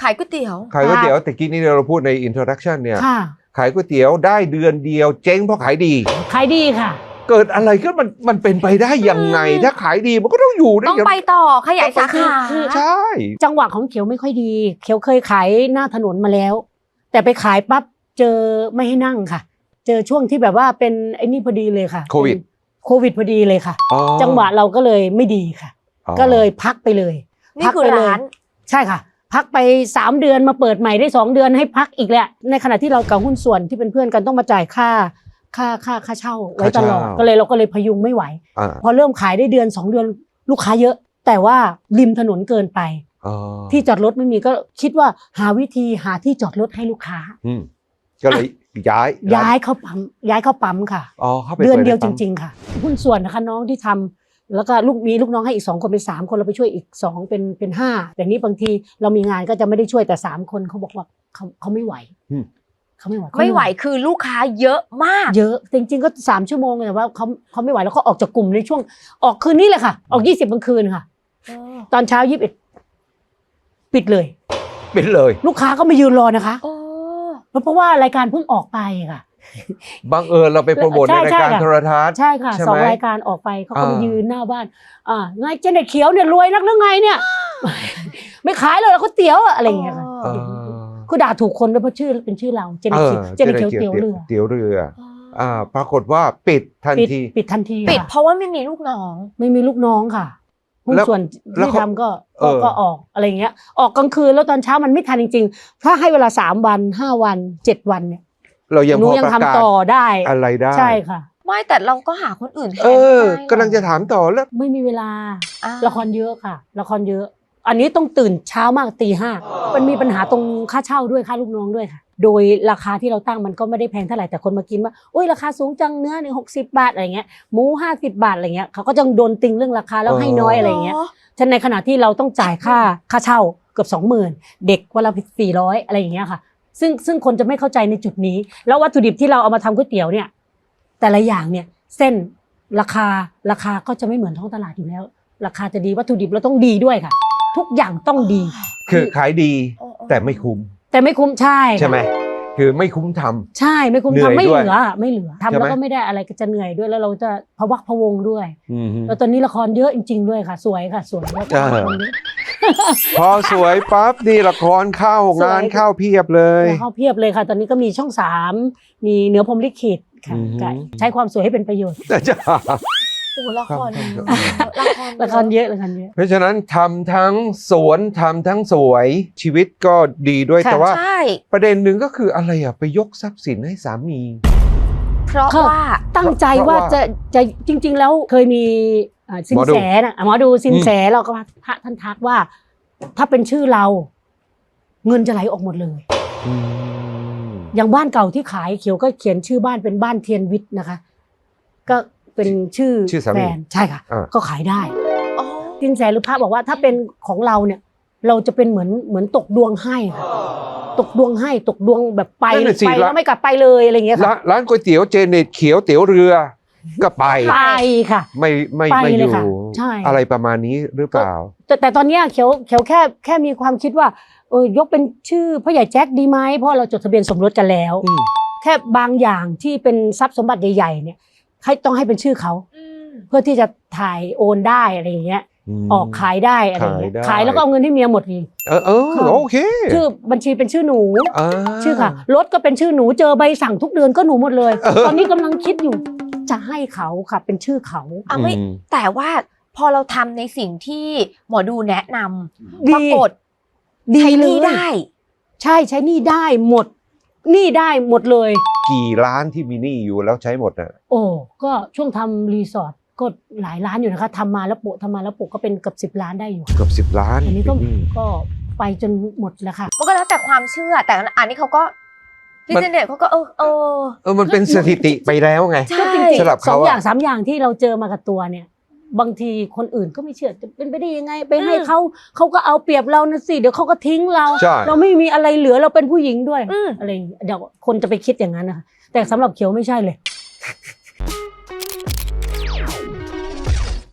ขายก๋วยเตี๋ยวแต่กี้นี่เราพูดในอินโทรดักชันเนี่ยขายก๋วยเตี๋ยวได้เดือนเดียวเจ๊งเพราะขายดีค่ะเกิดอะไรก็มันเป็นไปได้ยังไงถ้าขายดีมันก็ต้องอยู่ได้ต้องไปต่อขยายสาขาใช่จังหวะของเขียวไม่ค่อยดีเขียวเคยขายหน้าถนนมาแล้วแต่ไปขายปั๊บเจอไม่ให้นั่งค่ะเจอช่วงที่แบบว่าเป็นไอ้นี่พอดีเลยค่ะโควิดพอดีเลยค่ะจังหวะเราก็เลยไม่ดีค่ะก็เลยพักไปเลยนี่คือร้านใช่ค่ะพักไป3เดือนมาเปิดใหม่ได้2เดือนให้พักอีกแหละในขณะที่เรากับหุ้นส่วนที่เป็นเพื่อนกันต้องมาจ่ายค่าเช่าไว้ตลอดเราก็เลยพยุงไม่ไหวพอเริ่มขายได้เดือน2เดือนลูกค้าเยอะแต่ว่าริมถนนเกินไปที่จอดรถไม่มีก็คิดว่าหาวิธีหาที่จอดรถให้ลูกค้าก็เลยย้ายเข้าปั๊มค่ะเดือนเดียวจริงๆค่ะหุ้นส่วนนะคะน้องที่ทำแล้วก็มีลูกน้องให้อีก2คนเป็น3คนเราไปช่วยอีก2เป็น5แต่นี้บางทีเรามีงานก็จะไม่ได้ช่วยแต่3คนเขาบอกว่าเขาไม่ไหวไม่ไหวคือลูกค้าเยอะมากเยอะจริงๆก็3ชั่วโมงแต่ว่าเขาไม่ไหวแล้วเขาออกจากกลุ่มในช่วงออกคืนนี้เลยค่ะออก20กลางคืนค่ะตอนเช้า21ปิดเลยลูกค้าก็มายืนรอนะคะเพราะว่ารายการเพิ่งออกไปค่ะบังเอิญเราไปโปรโมทในรายการโทรทัศน์ใช่ค่ะ2รายการออกไปเขาก็มายืนหน้าบ้านไงเจเน็ตเขียวเนี่ยรวยนักหรือไงเนี่ยไม่ขายเลยเขาเตี๋ยวอะไรอย่างเงี้ยค่ะคือด่าถูกคนด้วยเพราะชื่อเป็นชื่อเราเจเน็ตเขียวเตี๋ยวเรือปรากฏว่าปิดทันทีปิดเพราะว่าไม่มีลูกน้องค่ะหุ้นส่วนที่ทำก็ออกอะไรเงี้ยออกกลางคืนแล้วตอนเช้ามันไม่ทันจริงๆถ้าให้เวลา3วัน5วัน7วันเนี่ยเรายังพอประกาศต่อได้อะไรได้ใช่ค่ะไม่แต่เราก็หาคนอื่นแทนกำลังจะถามต่อแล้วไม่มีเวลาละครเยอะค่ะละครเยอะอันนี้ต้องตื่นเช้ามากตี 5มันมีปัญหาตรงค่าเช่าด้วยค่าลูกน้องด้วยค่ะโดยราคาที่เราตั้งมันก็ไม่ได้แพงเท่าไหร่แต่คนมากินว่าโอ้ยราคาสูงจังเนื้อเนี่ย60 บาทอะไรเงี้ยหมู50 บาทอะไรเงี้ยเขาก็จะโดนติงเรื่องราคาแล้วให้น้อยอะไรเงี้ยฉะนั้นในขณะที่เราต้องจ่ายค่าเช่าเกือบ 20,000 เด็กวันละ400อะไรอย่างเงี้ยค่ะซึ่งคนจะไม่เข้าใจในจุดนี้แล้ววัตถุดิบที่เราเอามาทำก๋วยเตี๋ยวเนี่ยแต่ละอย่างเนี่ยเส้นราคาก็จะไม่เหมือนท้องตลาดอยู่แล้วราคาจะดีวัตถุดิบเราต้องดีด้วยค่ะทุกอย่างต้องดีคือขายดีแต่ไม่คุ้มใช่ไหมคือไม่คุ้มทำใช่ไม่คุ้มทำไม่เหลือทำแล้วก็ไม่ได้อะไรก็จะเหนื่อยด้วยแล้วเราจะพะวักพะวงด้วยแล้วตอนนี้ละครเยอะจริงๆด้วยค่ะสวยค่ะสวยพอสวยปั๊บนี่ละครเข้างานเข้าเพียบเลยค่ะตอนนี้ก็มีช่อง3มีเหนือพรหมลิขิตค่ะใช้ความสวยให้เป็นประโยชน์โอ้ละครเยอะเพราะฉะนั้นทำทั้งสวนทำทั้งสวยชีวิตก็ดีด้วยแต่ว่าประเด็นหนึ่งก็คืออะไรไปยกทรัพย์สินให้สามีเพราะว่าตั้งใจว่าจะจริงๆแล้วเคยมีสินแสนะหมอดูสินแสเราก็พระท่านทักว่าถ้าเป็นชื่อเราเงินจะไหลออกหมดเลยอย่างบ้านเก่าที่ขายเขียวก็เขียนชื่อบ้านเป็นบ้านเทียนวิทย์นะคะก็เป็นชื่อแฟนใช่ค่ะก็ขายได้สินแสหรือพระบอกว่าถ้าเป็นของเราเนี่ยเราจะเป็นเหมือนตกดวงให้ค่ะตกดวงแบบไปแล้วไม่กลับไปเลยอะไรอย่างเงี้ยค่ะร้านก๋วยเตี๋ยวเจเน็ตเขียวเตี๋ยวเรือก็ไปค่ะไม่อยู่อะไรประมาณนี้หรือเปล่าแต่ตอนนี้เขียวแค่มีความคิดว่ายกเป็นชื่อพ่อใหญ่แจ็คดีไหมเพราะเราจดทะเบียนสมรสกันแล้วแค่บางอย่างที่เป็นทรัพย์สมบัติใหญ่ๆเนี่ยต้องให้เป็นชื่อเขาเพื่อที่จะถ่ายโอนได้อะไรอย่างเงี้ยออกขายได้อะไรอย่างเงี้ยขายแล้วก็เอาเงินให้เมียหมดเลยโอเคชื่อบัญชีเป็นชื่อหนูชื่อค่ะรถก็เป็นชื่อหนูเจอใบสั่งทุกเดือนก็หนูหมดเลยตอนนี้กำลังคิดอยู่จะให้เขาค่ะเป็นชื่อเขาไม่แต่ว่าพอเราทำในสิ่งที่หมอดูแนะนำปรากฏใช้หนี้ได้ใช่ใช้หนี้ได้หมดหนี้ได้หมดเลยกี่ล้านที่มีหนี้อยู่แล้วใช้หมดน่ะก็ช่วงทำรีสอร์ทก็หลายล้านอยู่นะคะทำมาแล้วโปะก็เป็นเกือบ10 ล้านได้อยู่เกือบ10 ล้านอันนี้ก็ไปจนหมดแล้วค่ะมันก็แล้วแต่ความเชื่อแต่อันนี้เขาก็พี่เจเน็ตเขาก็มันเป็นสถิติไปแล้วไงใช่สำหรับเขา2 อย่าง 3 อย่างที่เราเจอมากับตัวเนี่ยบางทีคนอื่นก็ไม่เชื่อจะเป็นไปได้ยังไงไปให้เขาก็เอาเปรียบเรานะสิเดี๋ยวเขาก็ทิ้งเราไม่มีอะไรเหลือเราเป็นผู้หญิงด้วยอะไรเดี๋ยวคนจะไปคิดอย่างนั้นนะคะแต่สำหรับเขียวไม่ใช่เลย